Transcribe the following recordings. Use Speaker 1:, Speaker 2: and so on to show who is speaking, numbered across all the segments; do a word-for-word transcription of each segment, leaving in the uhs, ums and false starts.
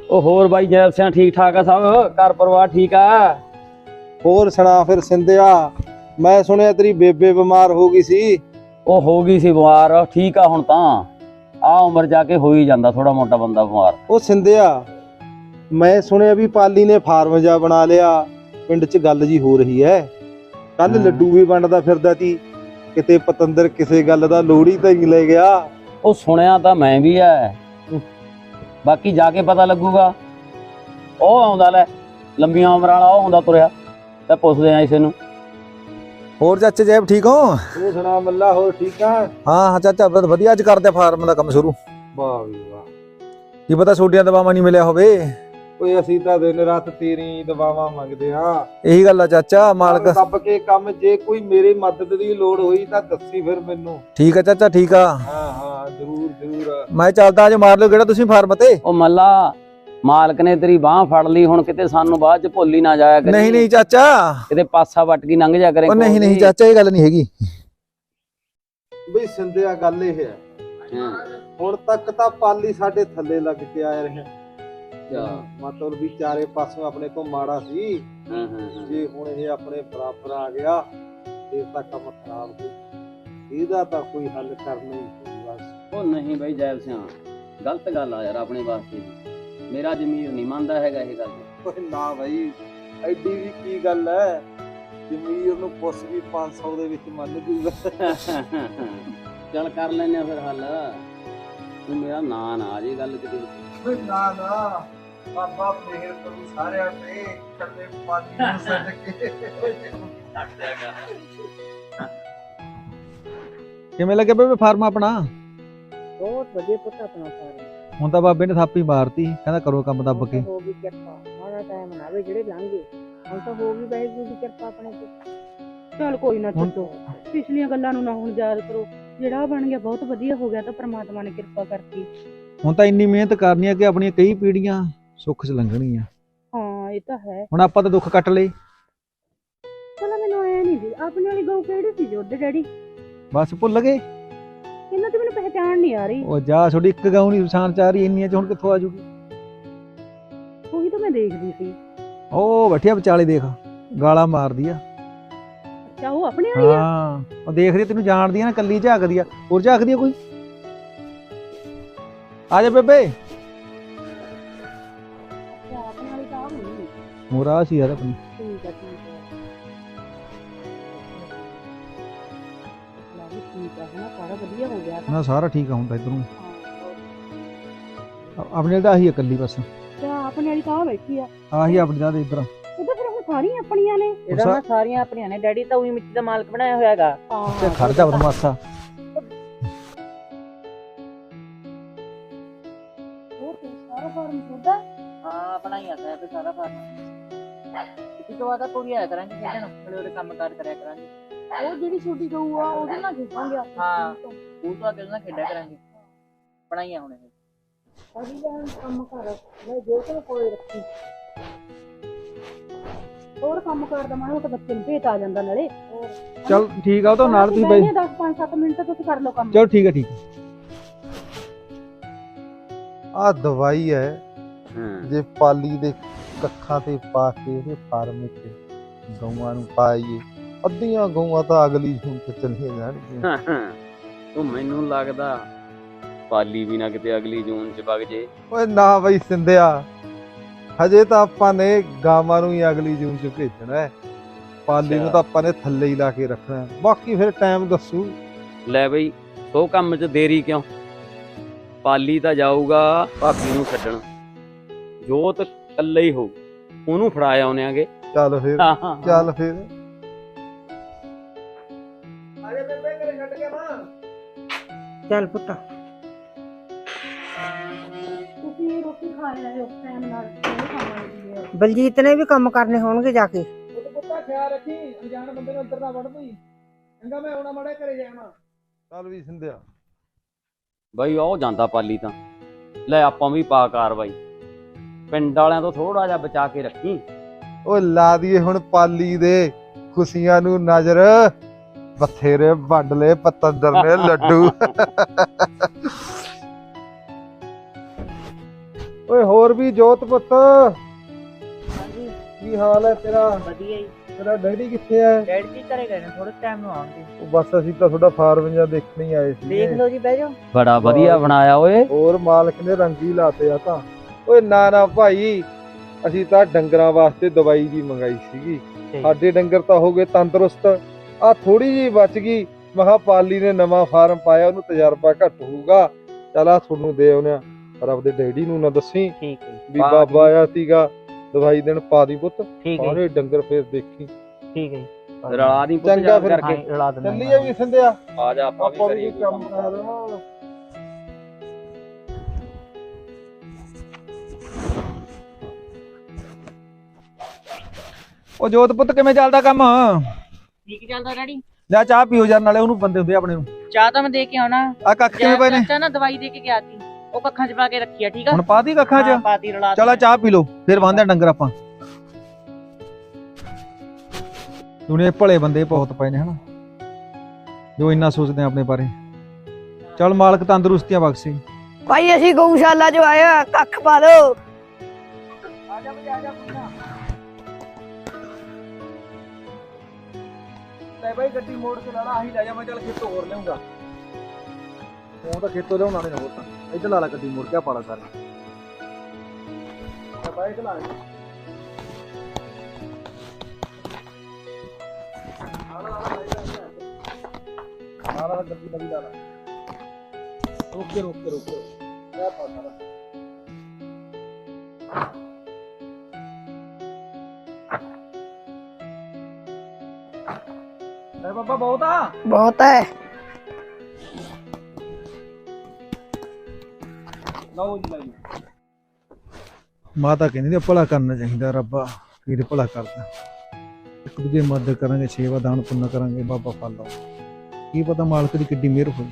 Speaker 1: ਉਹ ਹੋਰ ਬਾਈ ਜੈਬ ਸਿਆਂ ਠੀਕ ਠਾਕ ਆ ਸਭ ਘਰ ਪਰਿਵਾਰ ਠੀਕ ਆ।
Speaker 2: ਹੋਰ ਸੁਣਾ ਫਿਰ ਸਿੰਧਿਆ, ਮੈਂ ਸੁਣਿਆ ਤੇਰੀ ਬੇਬੇ ਬਿਮਾਰ ਹੋ ਗਈ ਸੀ।
Speaker 1: ਉਹ ਹੋ ਗਈ ਸੀ ਬਿਮਾਰ, ਠੀਕ ਆ ਹੁਣ ਤਾਂ। ਆ ਉਮਰ ਜਾ ਕੇ ਹੋ ਹੀ ਜਾਂਦਾ ਥੋੜਾ ਮੋਟਾ ਬੰਦਾ ਬਿਮਾਰ।
Speaker 2: ਉਹ ਸਿੰਧਿਆ, ਮੈਂ ਸੁਣਿਆ ਵੀ ਪਾਲੀ ਨੇ ਫਾਰਮ ਜਾ ਬਣਾ ਲਿਆ, ਪਿੰਡ 'ਚ ਗੱਲ ਜੀ ਹੋ ਰਹੀ ਐ। ਕੱਲ ਲੱਡੂ ਵੀ ਵੰਡਦਾ ਫਿਰਦਾ ਸੀ, ਕਿਤੇ ਪਤੰਦਰ ਕਿਸੇ ਗੱਲ ਦਾ ਲੋੜੀ ਤਾਂ ਨਹੀਂ ਲੈ ਗਿਆ।
Speaker 1: ਉਹ ਸੁਣਿਆ ਤਾਂ ਮੈਂ ਵੀ ਐ, ਬਾਕੀ ਜਾ ਕੇ ਪਤਾ ਲੱਗੂਗਾ। ਉਹ ਆਉਂਦਾ ਲੈ ਲੰਬੀਆਂ ਉਮਰਾਂ ਵਾਲਾ, ਉਹ ਆਉਂਦਾ ਤੁਰਿਆ, ਤੇ ਪੁੱਛਦੇ ਆ ਇਸੇ ਨੂੰ।
Speaker 3: ਹੋਰ ਚਾਚਾ ਜੈਬ ਠੀਕ ਹੋ?
Speaker 2: ਤੂੰ ਸੁਣਾ ਮੱਲਾ, ਹੋਰ ਠੀਕ ਆ?
Speaker 3: ਹਾਂ ਹਾਂ ਚਾਚਾ ਬਹੁਤ ਵਧੀਆ। ਅੱਜ ਕਰਦੇ ਫਾਰਮ ਦਾ ਕੰਮ ਸ਼ੁਰੂ।
Speaker 2: ਵਾਹ ਵੀ ਵਾਹ।
Speaker 3: ਕੀ ਪਤਾ ਛੋਟੀਆਂ ਦਵਾਵਾਂ ਨਹੀਂ ਮਿਲਿਆ ਹੋਵੇ।
Speaker 2: ਓਏ ਅਸੀਂ ਤਾਂ ਦਿਨ ਰਾਤ ਤੇਰੀ ਦਵਾਵਾਂ ਮੰਗਦੇ ਆ।
Speaker 3: ਇਹੀ ਗੱਲ ਆ ਚਾਚਾ, ਮਾਲਕ
Speaker 2: ਦੱਬ ਕੇ ਕੰਮ। ਜੇ ਕੋਈ ਮੇਰੀ ਮਦਦ ਦੀ ਲੋੜ ਹੋਈ ਤਾਂ ਦੱਸੀ ਫਿਰ ਮੈਨੂੰ।
Speaker 3: ਠੀਕ ਆ ਚਾਚਾ, ਠੀਕ ਆ।
Speaker 2: ਹਾਂ ਹਾਂ ਜ਼ਰੂਰ ਜ਼ਰੂਰ।
Speaker 3: ਮੈਂ ਚੱਲਦਾ, ਅੱਜ ਮਾਰ ਲਿਓ ਕਿਹੜਾ ਤੁਸੀਂ ਫਾਰਮ ਤੇ।
Speaker 1: ਉਹ ਮੱਲਾ, ਮਾਲਕ ਨੇ ਤੇਰੀ ਬਾਹ ਫੜ ਲਈ, ਹੁਣ ਕਿਤੇ ਸਾਨੂੰ ਬਾਅਦ ਚ ਭੁੱਲ ਹੀ ਨਾ ਜਾਇਆ ਕਰੀ।
Speaker 3: ਨਹੀਂ ਨਹੀਂ ਚਾਚਾ,
Speaker 1: ਕਿਤੇ ਪਾਸਾ ਵੱਟ ਕੇ ਲੰਘ ਜਾ ਕਰੇ।
Speaker 3: ਉਹ ਨਹੀਂ ਨਹੀਂ ਚਾਚਾ, ਇਹ ਗੱਲ ਨਹੀਂ ਹੈਗੀ।
Speaker 2: ਬਈ ਸਿੰਧਿਆ, ਗੱਲ ਇਹ ਹੈ, ਹੁਣ ਤੱਕ ਤਾਂ ਪਾਲੀ ਸਾਡੇ ਥੱਲੇ ਲੱਗ ਕੇ ਆਇਆ ਰਿਹਾ। ਮਤਲਬ ਵੀ ਚਾਰੇ ਪਾਸੋਂ ਆਪਣੇ ਤੋਂ ਮਾੜਾ ਸੀ। ਜੇ ਹੁਣ ਇਹ ਆਪਣੇ ਬਰਾਬਰ ਆ ਗਿਆ ਫਿਰ ਤਾਂ ਕੰਮ ਖਰਾਬ ਹੋ। ਇਹਦਾ ਤਾਂ ਕੋਈ ਹੱਲ ਕਰਨਾ ਹੀ ਪਊਗਾ।
Speaker 1: ਉਹ ਨਹੀਂ ਬਾਈ ਜੈਬ ਸਿਆਂ, ਗਲਤ ਗੱਲ ਆ ਯਾਰ ਆਪਣੇ ਵਾਸਤੇ। ਮੇਰਾ ਜ਼ਮੀਰ ਨਹੀਂ ਮੰਨਦਾ ਹੈਗਾ ਇਹ ਗੱਲ।
Speaker 2: ਓਏ ਨਾ ਬਾਈ, ਐਡੀ ਵੀ ਕੀ ਗੱਲ ਹੈ, ਜ਼ਮੀਰ ਨੂੰ ਪੁੱਛ ਵੀ ਪੰਜ ਸੌ ਦੇ ਵਿੱਚ ਮੰਨ ਜੂਗਾ।
Speaker 1: ਚੱਲ ਕਰ ਲੈਨੇ ਆ ਫਿਰ ਹੱਲ। ਤੂੰ ਮੇਰਾ ਨਾਂ ਨਾ ਆ ਜੇ ਗੱਲ ਕਿਤੇ।
Speaker 2: ਓਏ ਨਾ ਨਾ, ਬਾਬਾ ਮਿਹਰ ਕਰੂ ਸਾਰਿਆਂ ਤੇ, ਕੱਲੇ ਪਾਲੀ ਨੂੰ ਛੱਡ ਕੇ।
Speaker 3: ਕਿਵੇਂ ਲੱਗਿਆ ਬੇਬੇ ਫਾਰਮ ਆਪਣਾ?
Speaker 4: ਬਹੁਤ ਵਧੀਆ ਪੁੱਤ ਆਪਣਾ ਫਾਰਮ।
Speaker 3: ਹੁਣ ਤਾਂ ਬਾਬੇ ਨੇ ਥਾਪੀ ਮਾਰਤੀ, ਕਹਿੰਦਾ ਕਰੋ ਕੰਮ ਦੱਬ ਕੇ।
Speaker 4: ਹੋ ਗਈ ਕਿਰਪਾ, ਮਾੜਾ ਟਾਈਮ ਨਾ ਆਵੇ ਜਿਹੜੇ ਲੰਘੇ। ਹੁਣ ਤਾਂ ਹੋ ਗਈ ਵਾਹਿਗੁਰੂ ਦੀ ਕਿਰਪਾ ਆਪਣੇ ਤੇ। ਚਲ ਕੋਈ ਨਾ ਛੱਡੋ, ਪਿਛਲੀਆਂ ਗੱਲਾਂ ਨੂੰ ਨਾ ਹੁਣ ਯਾਦ ਕਰੋ। ਜਿਹੜਾ ਬਣ ਗਿਆ ਬਹੁਤ ਵਧੀਆ ਹੋ ਗਿਆ, ਤਾਂ ਪ੍ਰਮਾਤਮਾ ਨੇ ਕਿਰਪਾ ਕਰਤੀ।
Speaker 3: ਹੁਣ ਤਾਂ ਇੰਨੀ ਮਿਹਨਤ ਕਰਨੀ ਆ ਕਿ ਆਪਣੀਆਂ ਕਈ ਪੀੜ੍ਹੀਆਂ ਸੁੱਖ 'ਚ ਲੰਘਣਗੀਆਂ।
Speaker 4: ਹਾਂ ਇਹ ਤਾਂ ਹੈ।
Speaker 3: ਹੁਣ ਆਪਾਂ ਤਾਂ ਦੁੱਖ ਕੱਟ ਲਏ।
Speaker 4: ਚਲੋ ਮੈਨੂੰ ਐ ਨਹੀਂ ਜੀ, ਆਪਣੀ ਵਾਲੀ ਗਊ ਕਿਹੜੀ ਸੀ ਜੋ ਉਹਦੇ ਡੈਡੀ?
Speaker 3: ਬਸ ਭੁੱਲ ਗਏ।
Speaker 4: ਇਹਨਾਂ ਤੇ ਮੈਨੂੰ ਪਹਿਚਾਣ ਨਹੀਂ ਆ ਰਹੀ।
Speaker 3: ਉਹ ਜਾ, ਤੁਹਾਡੀ ਇੱਕ ਗਾਉਂ ਨਹੀਂ ਪਛਾਣ ਚ ਆ ਰਹੀ, ਇੰਨੀਆਂ 'ਚ ਹੁਣ ਕਿੱਥੋਂ ਆ ਜੂਗੀ?
Speaker 4: ਉਹੀ ਤਾਂ ਮੈਂ ਦੇਖਦੀ ਸੀ।
Speaker 3: ਉਹ ਬੈਠਿਆ ਵਿਚਾਲੇ, ਦੇਖ ਗਾਲਾਂ ਮਾਰਦੀ ਆ।
Speaker 4: ਅੱਛਾ, ਉਹ ਆਪਣੇ ਵਾਲੀ ਆ?
Speaker 3: ਹਾਂ, ਉਹ ਦੇਖਦੀ ਤੈਨੂੰ ਜਾਣਦੀ ਆ ਨਾ, ਕੱਲੀ ਝਾਕਦੀ ਆ। ਹੋਰ ਝਾਕਦੀ ਆ ਕੋਈ? ਆ ਜਾ ਬੇਬੇ।
Speaker 4: ਅੱਛਾ, ਆਪਣੇ ਵਾਲੀ ਤਾਂ ਆ ਹੋਣੀ।
Speaker 3: ਮੋਰਾ ਸੀ ਯਾਰ ਆਪਣੀ।
Speaker 4: ਠੀਕ ਆ ਠੀਕ ਆ। ਠੀਕ ਆ, ਹਨਾ ਸਾਰਾ ਵਧੀਆ ਹੋ ਗਿਆ।
Speaker 3: ਨਾ ਸਾਰਾ ਠੀਕ ਆ ਹੁਣ ਤਾਂ ਇੱਧਰੋਂ। ਆਪਣੇ ਨਾਲ ਤਾਂ ਆਹੀ ਆ ਕੱਲੀ ਬਸ।
Speaker 4: ਅੱਛਾ, ਆਪਣੇ ਵਾਲੀ ਤਾਂ ਆ ਬੈਠੀ ਆ।
Speaker 3: ਆਹੀ ਆਪਣੀ ਦਾ ਇੱਧਰ।
Speaker 4: ਇਹ ਤਾਂ ਫਿਰ ਹੁਣ ਸਾਰੀਆਂ ਆਪਣੀਆਂ ਨੇ। ਇਹਦਾ ਨਾ ਸਾਰੀਆਂ ਆਪਣੀਆਂ ਨੇ। ਡੈਡੀ ਤਾਂ ਉਹੀ ਮਿੱਟੀ ਦਾ ਮਾਲਕ ਬਣਾਇਆ ਹੋਇਆ ਹੈਗਾ।
Speaker 3: ਤੇ ਖੜ ਜਾ ਬਦਮਾਸ਼ਾ।
Speaker 4: ਹੋਰ ਤੇ ਸਾਰਾ ਫਾਰਮ ਤੁਹਾਡਾ? ਹਾਂ, ਬਣਾਈਆ ਤਾਂ ਤੇ ਸਾਰਾ ਫਾਰਮ। ਇਸ ਤੋਂ ਬਾਅਦ ਕੋਈ ਆਇਆ ਕਰਾਂਗੇ ਖੇਡਣ, ਥੋੜੇ ਥੋੜੇ ਕੰਮ ਕਾਰ ਕਰਿਆ ਕਰਾਂਗੇ। ਉਹ ਜਿਹੜੀ ਛੋਟੀ ਗਊ ਆ ਉਹਦੇ ਨਾਲ ਖੇਡਾਂਗੇ। ਹਾਂ, ਉਹ ਤਾਂ ਅਗਲੇ ਨਾਲ ਖੇਡਿਆ ਕਰਾਂਗੇ। ਬਣਾਈਆ ਹੁਣ ਇਹ ਅਭੀ ਜਾਨ ਕੰਮ ਕਰ ਮੈਂ ਜੋ ਤੇ ਕੋਈ ਰੱਖੀ। ਹੋਰ ਕੰਮ ਕਰਦਾ ਮੈਂ ਤਾਂ ਬੱਚੇ ਨੂੰ ਭੇਤ ਆ ਜਾਂਦਾ ਨਾਲੇ।
Speaker 3: ਚੱਲ ਠੀਕ ਆ, ਉਹ ਤਾਂ ਨਾਲ ਤੁਸੀਂ ਬਈ
Speaker 4: ਦਸ ਪੰਜ ਸੱਤ ਮਿੰਟ ਤੁਸੀਂ ਕਰ ਲਓ ਕੰਮ।
Speaker 3: ਚਲੋ ਠੀਕ ਆ ਠੀਕ ਆ।
Speaker 2: ਆ ਦਵਾਈ ਹੈ, ਜੇ ਪਾਲੀ ਦੇ ਕੱਖਾਂ ਤੇ ਪਾ ਕੇ ਉਹਦੇ ਫਾਰਮ ਵਿੱਚ ਗਊਆਂ ਨੂੰ ਪਾਈਏ, ਅੱਧੀਆਂ ਗਊਆਂ ਤਾਂ ਅਗਲੀ ਜੂਨ ਤੇ ਚਲੀਆਂ ਜਾਣਗੀਆਂ।
Speaker 1: ਉਹ ਮੈਨੂੰ ਲੱਗਦਾ ਪਾਲੀ ਵੀ ਨਾ ਕਿਤੇ ਅਗਲੀ ਜੂਨ ਚ ਵਗ ਜੇ।
Speaker 2: ਓਏ ਨਾ ਬਈ ਸਿੰਧਿਆ, ਹਜੇ ਤਾਂ ਆਪਾਂ ਨੇ ਗਾਵਾਂ ਨੂੰ ਹੀ ਅਗਲੀ ਜੂਨ ਚ ਭੇਜਣਾ ਹੈ। ਪਾਲੀ ਨੂੰ ਤਾਂ ਆਪਾਂ ਨੇ ਥੱਲੇ ਹੀ ਲਾ ਕੇ ਰੱਖਣਾ, ਬਾਕੀ ਫਿਰ ਟਾਈਮ ਦੱਸੂ।
Speaker 1: ਲੈ ਬਈ, ਉਹ ਕੰਮ ਚ ਦੇਰੀ ਕਿਉਂ? ਪਾਲੀ ਤਾਂ ਜਾਊਗਾ ਭਾਬੀ ਨੂੰ ਛੱਡਣ, ਜੋਤ ਇਕੱਲੇ ਹੀ ਹੋਊ, ਉਹਨੂੰ ਫੜਾ ਆਉਣੇ ਆਗੇ।
Speaker 2: ਚੱਲ ਫਿਰ ਚੱਲ ਫਿਰ ਆਜੇ ਬੇਬੇ, ਘਰੇ ਛੱਡ ਕੇ ਮਾਂ।
Speaker 4: ਚੱਲ ਪੁੱਤ, ਤੁਸੀਂ ਰੋਟੀ ਖਾ ਰਹੇ ਹੋ ਟਾਈਮ ਨਾਲ। ਬਲਜੀਤ ਨੇ ਵੀ ਕੰਮ ਕਰਨੇ ਹੋਣਗੇ ਜਾ ਕੇ।
Speaker 2: ਉਹ ਪੁੱਤਾ ਖਿਆਲ ਰੱਖੀ, ਅਣਜਾਣ ਬੰਦੇ ਨੂੰ ਅੰਦਰ ਨਾ ਵੜ ਪਈ। ਚੰਗਾ, ਮੈਂ ਆਉਣਾ ਮਾੜੇ ਘਰੇ ਜਾਣਾ। ਚੱਲ ਵੀ ਸਿੰਧਿਆ।
Speaker 1: ਬਈ ਉਹ ਜਾਂਦਾ ਪਾਲੀ ਤਾਂ। ਲੈ ਆਪਾਂ ਵੀ ਪਾ ਕਾਰਵਾਈ, ਪਿੰਡ ਵਾਲਿਆਂ ਤੋਂ ਥੋੜਾ ਜਿਹਾ ਬਚਾ ਕੇ ਰੱਖੀ।
Speaker 2: ਉਹ ਲਾ ਦੀਏ ਹੁਣ ਪਾਲੀ ਦੇ ਖੁਸ਼ੀਆਂ ਨੂੰ ਨਜ਼ਰ, ਬਥੇਰੇ ਵੰਡ ਲਏ ਪਤੰਦਰ ਨੇ ਲੱਡੂ। ਓਏ ਹੋਰ ਵੀ ਜੋਤ ਪੁੱਤ
Speaker 4: ਹਾਂਜੀ
Speaker 2: ਕੀ ਹਾਲ ਹੈ ਤੇਰਾ?
Speaker 4: ਵਧੀਆ ਜੀ।
Speaker 2: ਤੇਰਾ ਡੈਡੀ ਕਿੱਥੇ ਹੈ?
Speaker 4: ਡੈਡੀ ਜੀ ਘਰੇ ਗਏ ਨੇ, ਥੋੜੇ ਟਾਈਮ ਨੂੰ ਆਉਣਗੇ।
Speaker 2: ਉਹ ਬਸ ਅਸੀਂ ਤਾਂ ਤੁਹਾਡਾ ਫਾਰਮ ਜਾਂ ਦੇਖਣ ਹੀ ਆਏ ਸੀ।
Speaker 4: ਦੇਖ ਲਓ ਜੀ, ਬਹਿ ਜਾਓ।
Speaker 1: ਬੜਾ ਵਧੀਆ ਬਣਾਇਆ ਓਏ।
Speaker 2: ਹੋਰ ਮਾਲਕ ਨੇ ਰੰਗੀ ਲਾਤੇ ਆ ਤਾਂ। ਓਏ ਨਾ ਨਾ ਭਾਈ, ਅਸੀਂ ਤਾਂ ਡੰਗਰਾਂ ਵਾਸਤੇ ਦਵਾਈ ਜੀ ਮੰਗਾਈ ਸੀਗੀ। ਸਾਡੇ ਡੰਗਰ ਤਾਂ ਹੋ ਗਏ ਤੰਦਰੁਸਤ, ਆ ਥੋੜੀ ਜੀ ਬਚ ਗਈ। ਮਹਾ ਪਾਲੀ ਨੇ ਨਵਾਂ ਫਾਰਮ ਪਾਇਆ, ਉਹਨੂੰ ਤਜਰਬਾ ਘੱਟ ਹੋਊਗਾ। ਚੱਲ ਆ ਤੁਹਾਨੂੰ ਦੇ ਆਉਨੇ ਆ, ਪਰ ਆਪਦੇ ਡੈਡੀ ਨੂੰ ਨਾ ਦੱਸੀ
Speaker 4: ਠੀਕ ਹੈ
Speaker 2: ਵੀ ਬਾਬਾ ਆਇਆ ਸੀਗਾ ਦਵਾਈ ਦੇਣ। ਪਾ ਦੀ ਪੁੱਤ
Speaker 4: ਠੀਕ ਹੈ
Speaker 2: ਸਾਰੇ ਡੰਗਰ ਫੇਰ ਦੇਖੀ।
Speaker 4: ਠੀਕ ਹੈ
Speaker 1: ਰਲਾ ਦੀ ਪੁੱਤ
Speaker 2: ਚੰਗਾ
Speaker 1: ਜਾ
Speaker 2: ਫਿਰ।
Speaker 1: ਕਰਕੇ
Speaker 4: ਰਲਾ ਦਿੰਦਾ।
Speaker 2: ਚੱਲੀਏ ਵੀ ਸੰਧਿਆ,
Speaker 1: ਆ ਜਾ ਆਪਾਂ ਵੀ
Speaker 2: ਆਪਾਂ
Speaker 1: ਕਰੀਏ
Speaker 2: ਵੀ
Speaker 1: ਕੋਈ
Speaker 2: ਕੰਮ
Speaker 1: ਕੰਮ।
Speaker 2: ਕਰਾ ਦੇਵਾਂ।
Speaker 3: ਉਹ ਜੋਤ ਪੁੱਤ ਕਿਵੇਂ ਚੱਲਦਾ ਕੰਮ?
Speaker 4: ਠੀਕ ਚੱਲਦਾ ਡੈਡੀ।
Speaker 3: ਲੈ ਚਾਹ ਪੀਓ ਯਾਰ, ਨਾਲੇ ਉਹਨੂੰ ਬੰਦੇ ਹੁੰਦੇ ਆਪਣੇ ਨੂੰ।
Speaker 4: ਚਾਹ ਤਾਂ ਮੈਂ ਦੇ ਕੇ ਆਉਣਾ।
Speaker 3: ਆ ਕੱਖ ਕਿਵੇਂ ਪਏ ਨੇ?
Speaker 4: ਚਾਚਾ ਨਾ ਦਵਾਈ ਦੇ ਕੇ ਗਿਆ ਸੀ, ਉਹ ਕੱਖਾਂ 'ਚ ਪਾ ਕੇ ਰੱਖੀ ਆ। ਠੀਕ ਆ
Speaker 3: ਹੁਣ ਪਾਤੀ ਕੱਖਾਂ
Speaker 4: ਹਾਂ,
Speaker 3: 'ਚ?
Speaker 4: ਪਾਤੀ ਰਲਾ
Speaker 3: ਚਲ ਆ ਚਾਹ ਪੀ ਲਓ, ਫਿਰ ਬੰਨਦੇ ਡੰਗਰ ਆਪਾਂ। ਦੁਨੀਆ ਭਲੇ ਬੰਦੇ ਬਹੁਤ ਪਏ ਨੇ ਹਨਾ, ਜੋ ਇੰਨਾ ਸੋਚਦੇ ਆ ਆਪਣੇ ਬਾਰੇ। ਚਲ ਮਾਲਕ ਤੰਦਰੁਸਤੀਆਂ ਬਖਸ਼ੇ।
Speaker 5: ਭਾਈ ਅਸੀਂ ਗਊਸ਼ਾਲਾ ਚ ਆਇਆ, ਕੱਖ ਪਾ ਦੋ।
Speaker 4: ਆ ਜਾ ਬਈ, ਆ ਜਾ ਪੁੱਛਣਾ।
Speaker 3: ਲੈ ਬਾਈ ਗੱਡੀ ਮੋੜ ਕੇ ਲਾਣਾ, ਆਹੀ ਲੈ ਜਾ। ਮੈਂ ਚੱਲ ਖੇਤੋਂ ਹੋਰ ਲਿਆਉਂਗਾ। ਉਹ ਤਾਂ ਖੇਤੋਂ ਲਿਆਉਣਾ ਨਹੀਂ ਹੋਰ ਤਾਂ। ਇੱਧਰ ਲਾ ਲਾ ਗੱਡੀ ਮੋੜ ਕੇ, ਪਾਲਾ ਸਾਰੇ ਬਾਈਕ ਲਾ ਲੈ। ਆਲਾ ਗੱਡੀ ਨਵੀਂ ਲਾ ਲਾ। ਰੁਕ ਕੇ ਰੁਕ ਕੇ ਰੁਕ ਕੇ ਕਿਆ ਪਾਣਾ। ਲੈ ਬਾਬਾ ਬਹੁਤ ਆ।
Speaker 5: ਬਹੁਤ ਹੈ।
Speaker 3: ਲਓ ਜੀ ਲਈ ਮਾਤਾ ਕਹਿੰਦੀ ਨੇ ਭਲਾ ਕਰਨਾ ਚਾਹੀਦਾ। ਰੱਬਾ ਵੀਰ ਭਲਾ ਕਰਦਾ। ਇੱਕ ਦੂਜੇ ਦੀ ਮਦਦ ਕਰਾਂਗੇ, ਸੇਵਾ ਦਾਨ ਪੁੰਨ ਕਰਾਂਗੇ, ਬਾਬਾ ਫਲ ਲਾਓ। ਕੀ ਪਤਾ ਮਾਲਕ ਦੀ ਕਿੱਡੀ ਮਿਹਰ ਹੋਈ।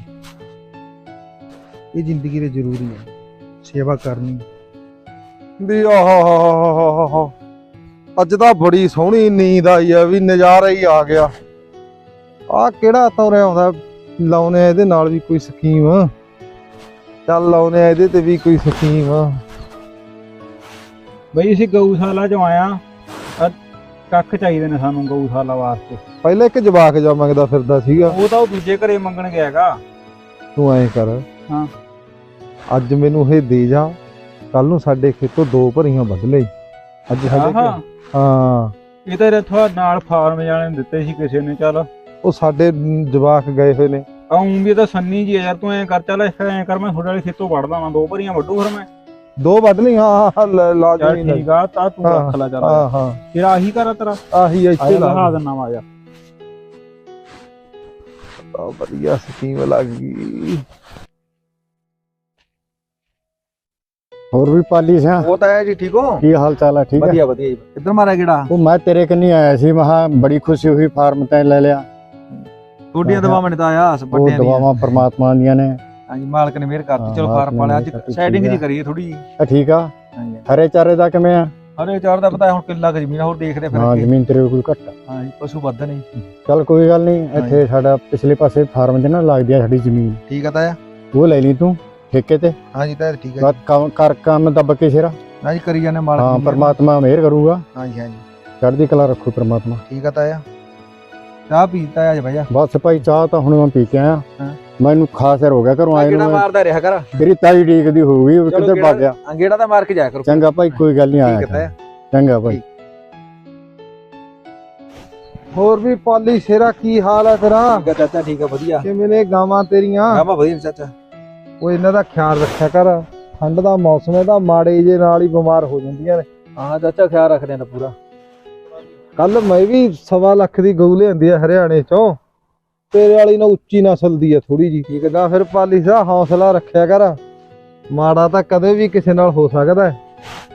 Speaker 3: ਇਹ ਜ਼ਿੰਦਗੀ ਦੇ ਜ਼ਰੂਰੀ ਹੈ ਸੇਵਾ ਕਰਨੀ
Speaker 2: ਵੀ ਆਹ ਅੱਜ ਤਾਂ ਬੜੀ ਸੋਹਣੀ ਨੀਂਦ ਆਈ ਆ, ਵੀ ਨਜ਼ਾਰਾ ਹੀ ਆ ਗਿਆ। ਆਹ ਕਿਹੜਾ ਤੋਰਿਆ ਆਉਂਦਾ। ਲਾਉਨੇ ਇਹਦੇ ਨਾਲ ਵੀ ਕੋਈ ਸਕੀਮ। ਚੱਲ ਲਾਉਨੇ ਇਹਦੇ ਤੇ ਵੀ ਕੋਈ ਸਕੀਮ।
Speaker 6: ਬਈ ਅਸੀਂ ਗਊਸ਼ਾਲਾ ਚੋਂ ਆਇਆ, ਕੱਖ ਚਾਹੀਦੇ ਨੇ ਸਾਨੂੰ ਗਊਸ਼ਾਲਾ ਵਾਸਤੇ।
Speaker 2: ਪਹਿਲਾਂ ਇੱਕ ਜਵਾਕ ਜਾ ਮੰਗਦਾ ਫਿਰਦਾ ਸੀਗਾ।
Speaker 6: ਉਹ ਤਾਂ ਉਹ ਦੂਜੇ ਘਰੇ ਮੰਗਣ ਗਿਆ ਹੈਗਾ।
Speaker 2: ਤੂੰ ਐਂ ਕਰ,
Speaker 6: ਹਾਂ
Speaker 2: ਅੱਜ ਮੈਨੂੰ ਇਹ ਦੇ ਜਾ, ਕੱਲ ਨੂੰ ਸਾਡੇ ਖੇਤੋਂ ਦੋ ਭਰੀਆਂ ਵੱਢ ਲਈ। ਅੱਜ ਸਾਡੇ
Speaker 6: ਆਹਾ,
Speaker 2: ਹਾਂ
Speaker 6: ਇਹ ਤਾਂ ਇੱਥੋਂ ਨਾਲ ਫਾਰਮ ਵਾਲੇ ਨੇ ਦਿੱਤੇ ਸੀ ਕਿਸੇ ਨੇ। ਚੱਲ
Speaker 2: ਉਹ ਸਾਡੇ ਜਵਾਕ ਗਏ ਹੋਏ ਨੇ।
Speaker 6: ਆਉਂ ਵੀ ਤਾਂ ਸੰਨੀ ਜੀ ਆ ਯਾਰ, ਤੂੰ ਐਂ ਕਰ। ਚੱਲ ਐਂ ਕਰ, ਮੈਂ ਤੁਹਾਡੇ ਵਾਲੇ ਖੇਤੋਂ ਵੱਢਦਾ ਵਾਂ, ਦੋ ਭਰੀਆਂ ਵੱਢੂ ਫਿਰ ਮੈਂ।
Speaker 2: ਦੋ ਵੱਢ ਲਈ। ਹਾਂ ਹਾਂ
Speaker 6: ਚੱਲ
Speaker 2: ਲਾਜ਼ਮੀ
Speaker 6: ਠੀਕ ਆ, ਤਾਂ ਤੂੰ ਰੱਖ ਲੈ। ਚੱਲ
Speaker 2: ਹਾਂ ਹਾਂ
Speaker 6: ਤੇਰਾ ਆਹੀ ਘਰ ਆ ਤੇਰਾ?
Speaker 2: ਆਹੀ ਇੱਥੇ ਲਾ
Speaker 6: ਲਾ ਦਿੰਨਾ ਵਾ ਯਾਰ।
Speaker 2: ਆ ਵਧੀਆ ਸਕੀਮ ਲੱਗ ਗਈ।
Speaker 7: ਹੋਰ ਵੀ ਪਾਲੀ ਸਿਆ,
Speaker 3: ਉਹ ਤਾਂ ਹੈ ਜੀ। ਠੀਕ ਹੋ?
Speaker 7: ਕੀ ਹਾਲ ਚਾਲ ਹੈ? ਠੀਕ ਹੈ,
Speaker 3: ਵਧੀਆ ਵਧੀਆ ਜੀ। ਕਿੱਧਰ ਮਾਰਿਆ ਕਿਹੜਾ?
Speaker 7: ਉਹ ਮੈਂ ਤੇਰੇ ਕੰਨੀ ਆਇਆ ਸੀ। ਮਹਾ ਬੜੀ ਖੁਸ਼ੀ ਹੋਈ, ਫਾਰਮ ਤੈਂ ਲੈ ਲਿਆ।
Speaker 3: ਤੁਹਾਡੀਆਂ ਦਵਾਵਾਂ ਨੇ ਤਾਂ ਆਇਆ
Speaker 7: ਉਹ
Speaker 3: ਵੱਡਿਆਂ ਦੀਆਂ।
Speaker 7: ਦਵਾਵਾਂ ਪਰਮਾਤਮਾ ਦੀਆਂ ਨੇ।
Speaker 3: ਹਾਂਜੀ ਮਾਲਕ ਨੇ ਮਿਹਰ ਕਰਤੀ।
Speaker 7: ਹਾਂ,
Speaker 3: ਚਲੋ
Speaker 7: ਮਾਲਕ
Speaker 3: ਫਾਰਮ
Speaker 7: ਨੇ
Speaker 3: ਵਾਲੇ
Speaker 7: ਮਿਹਰ
Speaker 3: ਅੱਜ
Speaker 7: ਕਰਤੀ,
Speaker 3: ਸੈਟਿੰਗ
Speaker 7: ਠੀਕ
Speaker 3: ਜੀ
Speaker 7: ਆ।
Speaker 3: ਕਰੀਏ ਥੋੜੀ ਜੀ।
Speaker 7: ਇਹ ਠੀਕ ਆ।
Speaker 3: ਹਾਂਜੀ
Speaker 7: ਹਰੇ ਚਾਰੇ ਦਾ ਕਿਵੇਂ ਆ?
Speaker 3: ਹਰੇ ਚਾਰ ਦਾ ਪਤਾ ਹੁਣ ਕਿੱਲਾ ਕੁ ਜ਼ਮੀਨ ਆ, ਹੋਰ ਦੇਖਦੇ ਫਿਰ
Speaker 7: ਹਾਂ
Speaker 3: ਅੱਗੇ।
Speaker 7: ਜ਼ਮੀਨ ਤੇਰੇ ਕੋਲ ਘੱਟ ਆ।
Speaker 3: ਹਾਂਜੀ ਪਸ਼ੂ ਵੱਧ ਨੇ।
Speaker 7: ਚੱਲ ਕੋਈ ਗੱਲ ਨਹੀਂ। ਇੱਥੇ ਸਾਡਾ ਪਿਛਲੇ ਪਾਸੇ ਫਾਰਮ 'ਚ ਨਾ ਲੱਗਦੀ ਆ ਸਾਡੀ ਜ਼ਮੀਨ,
Speaker 3: ਠੀਕ ਆ ਤਾਇਆ।
Speaker 7: ਉਹ ਲੈ ਲਈ ਤੂੰ ਠੇਕੇ ਤੇ।
Speaker 3: ਹਾਂਜੀ ਤਾਇਆ ਠੀਕ ਹੈ।
Speaker 7: ਬਸ ਕੰਮ ਕਰ, ਕੰਮ ਦੱਬ ਕੇ ਸਿਰਾ।
Speaker 3: ਹਾਂਜੀ ਕਰੀ ਜਾਂਦੇ ਮਾਲਕ
Speaker 7: ਹਾਂ
Speaker 3: ਦੀ ਮਿਹਰ।
Speaker 7: ਪਰਮਾਤਮਾ ਮਿਹਰ ਕਰੂਗਾ।
Speaker 3: ਹਾਂਜੀ ਹਾਂਜੀ
Speaker 7: ਚੜ੍ਹਦੀ ਕਲਾ ਰੱਖੂ ਪਰਮਾਤਮਾ।
Speaker 3: ਠੀਕ ਆ ਤਾਇਆ। ਚਾਹ ਪੀਤਾ ਅੱਜ ਭਾਈਆ।
Speaker 7: ਬਸ ਭਾਈ ਚਾਹ ਤਾਂ ਹੁਣ ਮੈਂ ਪੀ ਕੇ ਆਇਆ।
Speaker 3: ਹਾਂ।
Speaker 7: ਮੈਨੂੰ ਖਾਸ ਹੋ ਗਿਆ ਘਰੋਂ ਆਏ
Speaker 3: ਕਿਹੜਾ
Speaker 7: ਨੂੰ।
Speaker 3: ਮਾਰਦਾ ਰਿਹਾ ਕਰ।
Speaker 7: ਤੇਰੀ ਤਾਈ ਡੀਕਦੀ ਹੋਊਗੀ, ਉਹ ਕਿੱਧਰ ਭੱਜ ਗਿਆ।
Speaker 3: ਅੰਗੇੜਾ ਤਾਂ ਮਾਰ ਕੇ ਜਾਇਆ ਕਰੋ।
Speaker 7: ਚੰਗਾ ਭਾਈ, ਕੋਈ ਗੱਲ ਨਹੀਂ।
Speaker 3: ਠੀਕ ਹੈ
Speaker 7: ਆਇਆ
Speaker 3: ਤਾਇਆ।
Speaker 7: ਚੰਗਾ ਭਾਈ।
Speaker 2: ਹੋਰ ਵੀ ਪਾਲੀ ਸ਼ੇਰਾ ਕੀ ਹਾਲ ਹੈ ਤੇਰਾ?
Speaker 3: ਠੀਕ ਆ ਚਾਚਾ, ਠੀਕ ਆ ਵਧੀਆ।
Speaker 2: ਕਿਵੇਂ ਨੇ ਗਾਵਾਂ ਤੇਰੀਆਂ?
Speaker 3: ਗਾਵਾਂ ਵਧੀਆ ਨੇ ਚਾਚਾ।
Speaker 2: ਉਹ ਇਹਨਾਂ ਦਾ ਖਿਆਲ ਰੱਖਿਆ ਕਰ। ਠੰਡ ਦਾ ਮੌਸਮ ਹੈ ਤਾਂ ਮਾੜੇ ਜੇ ਨਾਲ ਹੀ ਬਿਮਾਰ ਹੋ ਜਾਂਦੀਆਂ ਨੇ।
Speaker 3: ਹਾਂ ਚਾਚਾ ਖਿਆਲ ਰੱਖਦੇ ਨੇ ਪੂਰਾ।
Speaker 2: ਕੱਲ ਮੈਂ ਵੀ ਸਵਾ ਲੱਖ ਦੀ ਗਊ ਲਿਆਂਦੀ ਆ ਹਰਿਆਣੇ ਚੋਂ। ਤੇਰੇ ਵਾਲੀ ਨਾ ਉੱਚੀ ਨਸਲ ਦੀ ਆ ਥੋੜੀ ਜੀ। ਠੀਕ ਹੈ, ਫਿਰ ਪਾਲੀ ਦਾ ਹੌਸਲਾ ਰੱਖਿਆ ਕਰ। ਮਾੜਾ ਤਾਂ ਕਦੇ ਵੀ ਕਿਸੇ ਨਾਲ ਹੋ ਸਕਦਾ ਹੈ।